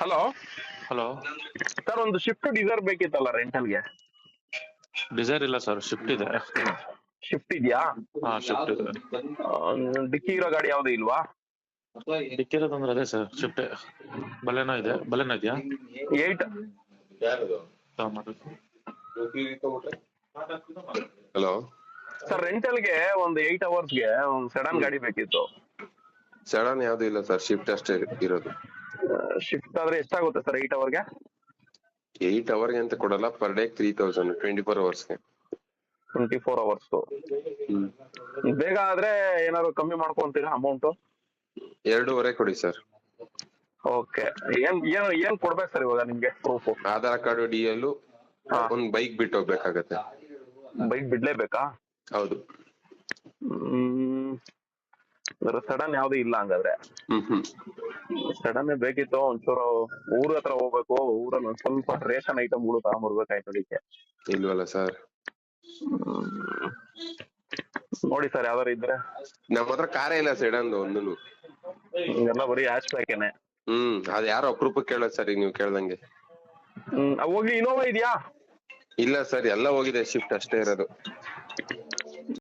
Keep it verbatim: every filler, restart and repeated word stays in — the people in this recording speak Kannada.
Hello hello. ಸರ್, ಒಂದು ಶಿಫ್ಟ್ ಡಿಸೈರ್ ಬೇಕಿತ್ತಲ್ಲ ರೆಂಟಲ್ಗೆ? ಡಿಸೈರ್ ಇಲ್ಲ ಸರ್, ಶಿಫ್ಟ್ ಇದೆ. ಶಿಫ್ಟ್ ಇದೆಯಾ? ಹಾ, ಶಿಫ್ಟ್ ಇದೆ. ಡಿಕ್ಕಿ ಇರೋ ಗಾಡಿ ಯಾವ್ದು ಇಲ್ವಾ? ಡಿಕ್ಕಿರೋದಂದ್ರೆ ಅದೇ ಸರ್, ಶಿಫ್ಟ್. ಬಲೆನೋ ಇದೆ, ಬಲೆನೋ ಇದೆಯಾ? ಏಟ್ ಹಲೋ ಸರ್, ರೆಂಟಲ್ಗೆ ಒಂದು ಏಟ್ ಅವರ್ಸ್ಗೆ ಒಂದು ಸೆಡನ್ ಗಾಡಿ ಬೇಕಿತ್ತು. ಸಡನ್ ಯಾವ್ದು ಇಲ್ಲ ಸರ್, ಶಿಫ್ಟ್ ಅಷ್ಟೇ ಇರೋದು. ಶಿಫ್ಟ್ ಆದ್ರೆ ಎಷ್ಟಾಗುತ್ತೆ ಸರ್ ಏಟ್ ಅವರ್ಗೆ? ಏಟ್ ಅವರ್ಗೆ ಅಂತ ಕೊಡಲ್ಲ, per day three thousand twenty four ಅವರ್ಸ್ಗೆ. ಟ್ವೆಂಟಿ ಫೋರ್ ಅವರ್ಸ್ ಹ್ಮ್ ಬೇಗ ಆದ್ರೆ ಏನಾದ್ರು ಕಮ್ಮಿ ಮಾಡ್ಕೊಂತೀರಾ ಅಮೌಂಟ್? ಎರಡೂವರೆ ಕೊಡಿ ಸರ್. ಓಕೆ. ಏನ್ ಏನ್ ಏನ್ ಕೊಡ್ಬೇಕು ಸರ್ ಇವಾಗ ನಿಮ್ಗೆ proof? Aadhaar card, D L, ಹಾ. ಒಂದ್ ಬೈಕ್ ಬಿಟ್ಟು ಹೋಗ್ಬೇಕಾಗತ್ತೆ. ಬೈಕ್ ಬಿಡ್ಲೇಬೇಕಾ? ಹೌದು. ಹ್ಮ್ ಸಡನ್ ಯಾವ್ದು ಇಲ್ಲ ಹಂಗಾದ್ರೆ. ಹ್ಮ್ ಹ್ಮ್ ಸಡನ್ ಬೇಕಿತ್ತು. ಒಂಚೂರು ಊರ್ ಹತ್ರ ಹೋಗ್ಬೇಕು, ಊರಲ್ಲಿ ಒಂದ್ ಸ್ವಲ್ಪ ರೇಷನ್ ಐಟಮ್ಗಳು ತಗೊಂಡ್ಬರ್ಬೇಕಾಯ್ತು ಅದಕ್ಕೆ. ಇಲ್ವಲ್ಲ ಸರ್. ನೋಡಿ ಸರ್ ಯಾವ್ದಾರು ಇದ್ರೆ. ನಮ್ಮ ಹತ್ರ ಕಾರೇ ಇಲ್ಲ ಸೆಡನ್ ಒಂದೂನು. ಎಲ್ಲ ಬರೀ ಹ್ಯಾಚ್ ಬ್ಯಾಕೇನೆ. ಹ್ಮ್ ಅದ್ ಯಾರೋ ಅಪರೂಪಕ್ಕೆ ಕೇಳೋದ್ ಸರ್, ಈಗ ನೀವು ಕೇಳ್ದಂಗೆ. ಹ್ಮ್ ಹೋಗ್ಲಿ, ಇನೋವಾ ಇದೆಯಾ? ಇಲ್ಲ ಸರ್, ಎಲ್ಲ ಹೋಗಿದೆ, ಶಿಫ್ಟ್ ಅಷ್ಟೇ ಇರೋದು.